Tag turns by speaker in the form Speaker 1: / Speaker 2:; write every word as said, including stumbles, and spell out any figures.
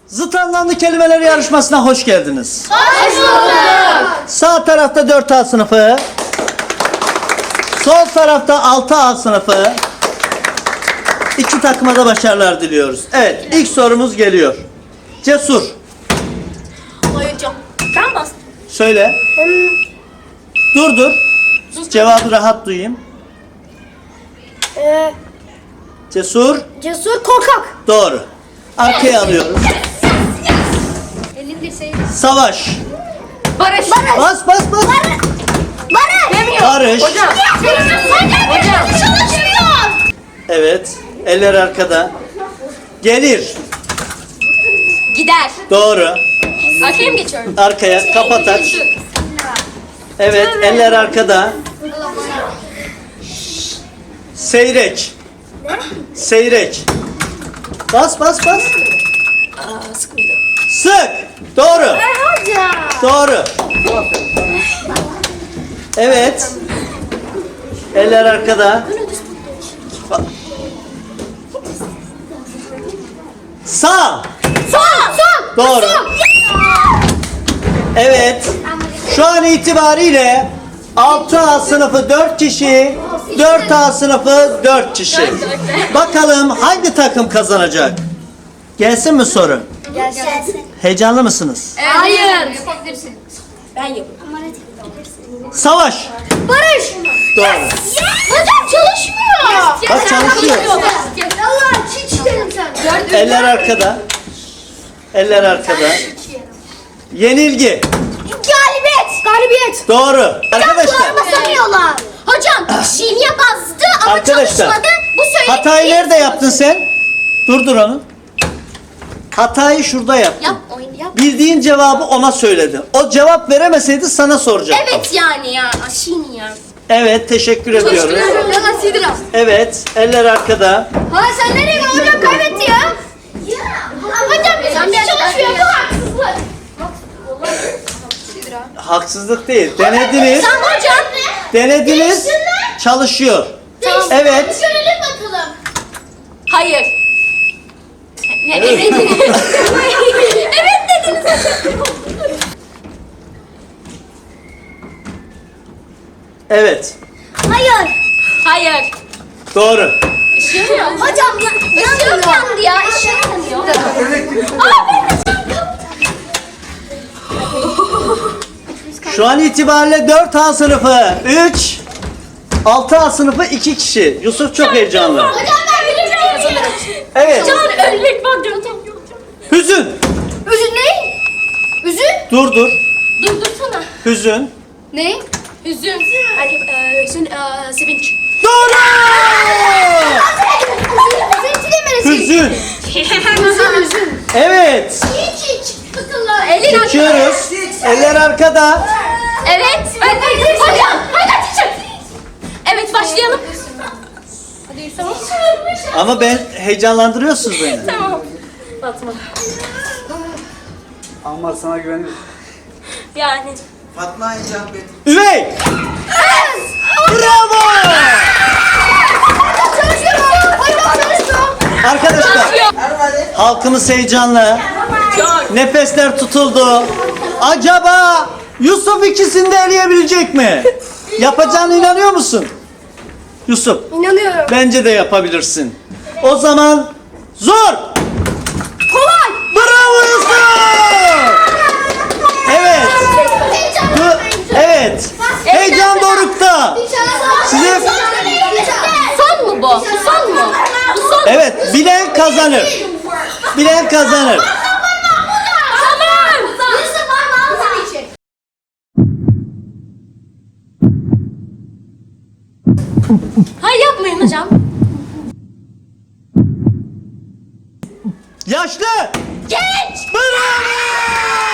Speaker 1: Zıt anlamlı kelimeler yarışmasına hoş geldiniz.
Speaker 2: Hoş bulduk.
Speaker 1: Sağ tarafta dört A sınıfı, sol tarafta altı A sınıfı. İki takıma da başarılar diliyoruz. Evet, ilk sorumuz geliyor. Cesur,
Speaker 2: Hocam. Ben bastım.
Speaker 1: söyle. Dur dur. Cevabı rahat duyayım.
Speaker 3: Ee,
Speaker 1: Cesur,
Speaker 3: cesur korkak.
Speaker 1: doğru. Arkaya alıyoruz.
Speaker 2: Elinde şey.
Speaker 1: Savaş.
Speaker 2: Barış.
Speaker 1: Bas bas bas.
Speaker 3: Barış.
Speaker 2: Demiyor.
Speaker 1: Barış.
Speaker 2: Hocam. Hocam.
Speaker 3: Çalışmıyor.
Speaker 1: Evet. Eller arkada. Gelir.
Speaker 2: Gider.
Speaker 1: Doğru.
Speaker 2: Arkaya mı geçiyorum?
Speaker 1: Arkaya kapat aç. Evet, eller arkada. Seyrek. Seyrek. Bas bas bas.
Speaker 2: Aa, sık mıydı?
Speaker 1: Sık. Doğru.
Speaker 3: Hocam.
Speaker 1: Doğru. Evet. Eller arkada. Ba- Sağ.
Speaker 3: Sol. Sol.
Speaker 1: Doğru. Evet. Şu an itibariyle altı A sınıfı dört kişi, dört A sınıfı dört kişi. Bakalım hangi takım kazanacak? Gelsin mi soru?
Speaker 3: Gelsin.
Speaker 1: Heyecanlı mısınız?
Speaker 2: Hayır. Yapabilirsin. Ben yaparım.
Speaker 1: Savaş.
Speaker 3: Barış.
Speaker 1: Doğru.
Speaker 3: Hocam çalışmıyor.
Speaker 1: Bak çalışıyor.
Speaker 3: Allah hiç derim sen.
Speaker 1: Eller arkada. Eller arkada. Yenilgi.
Speaker 3: Galibiyet. Galibiyet.
Speaker 1: Doğru. Arkadaşlar.
Speaker 3: basamıyorlar. Hocam şiiye bastı ama
Speaker 1: Arkadaşlar.
Speaker 3: çalışmadı. Bu söyledi.
Speaker 1: Hatayı nerede yaptın sen? Durdur onu. Hatayı şurada yaptın.
Speaker 3: Yap oyunu yap.
Speaker 1: Bildiğin cevabı ona söyledin. O cevap veremeseydi sana soracaktım.
Speaker 2: Evet yani ya. Aşini ya.
Speaker 1: Evet, teşekkür ediyoruz.
Speaker 2: Yalan Sidra.
Speaker 1: Evet, eller arkada.
Speaker 3: Ha sen nereye gidiyorsun? Hocam kaybetti ya. Hocam bizim hiç çalışmıyor. Bu haksızlık.
Speaker 1: Haksızlık değil. Denediniz.
Speaker 3: Tamam hocam.
Speaker 1: Denediniz. Çalışıyor. Evet.
Speaker 3: Görelim bakalım.
Speaker 2: Hayır. Ne, evet dediniz. Evet dediniz.
Speaker 1: Evet.
Speaker 3: Hayır.
Speaker 2: Hayır.
Speaker 1: Doğru.
Speaker 2: Işığım yandı.
Speaker 3: Hocam ya,
Speaker 2: Işığım yandı ya. Işığım yanıyor. Aa ben de çarptım.
Speaker 1: Şu an itibariyle dört A sınıfı üç, altı A sınıfı iki kişi. Yusuf çok heyecanlı.
Speaker 3: Hocam ben bileceğim.
Speaker 1: Evet.
Speaker 2: Can ölmek var diyorum.
Speaker 1: Hüzün.
Speaker 3: Üzün ne? Üzün?
Speaker 1: Dur dur.
Speaker 2: Durdursana.
Speaker 1: Hüzün.
Speaker 3: Ne?
Speaker 2: Üzüm. Hani, e, Üzüm. e, Sevinç.
Speaker 1: Doğru.
Speaker 3: Üzüntü demelisin.
Speaker 1: Hüzün.
Speaker 3: Üzün üzün.
Speaker 1: Evet.
Speaker 3: Hiç hiç. Sıkıntı.
Speaker 2: Elin
Speaker 1: Geçiyoruz. Eller arkada.
Speaker 2: Evet. Ben de hocam. Hadi teacher. Evet başlayalım. Hadi Yusuf.
Speaker 1: Ama ben heyecanlandırıyorsunuz beni.
Speaker 2: Tamam. Fatma.
Speaker 4: Ammar sana güveniyorum.
Speaker 2: Yani.
Speaker 4: Fatma icap et.
Speaker 1: Üvey. Bravo.
Speaker 3: Çalışıyor. Hocam çalışıyor.
Speaker 1: Arkadaşlar,
Speaker 4: Hadi.
Speaker 1: halkımız heyecanlı.
Speaker 2: Çok.
Speaker 1: Nefesler tutuldu. Acaba Yusuf ikisini de eleyebilecek mi? Yapacağına inanıyor musun? Yusuf,
Speaker 3: İnanıyorum.
Speaker 1: bence de yapabilirsin. O zaman zor.
Speaker 3: Kolay.
Speaker 1: Bravo Yusuf. Evet. Bu- evet. Heyecan dorukta. Size
Speaker 2: Son mu bu? Bu son mu? Bu son mu?
Speaker 1: evet, bilen kazanır. Bilen kazanır.
Speaker 2: Tamam.
Speaker 3: Yusuf var mı? Alsana içeri.
Speaker 2: Hayır yapmayın hocam.
Speaker 1: Yaşlı.
Speaker 2: Genç.
Speaker 1: Bravo.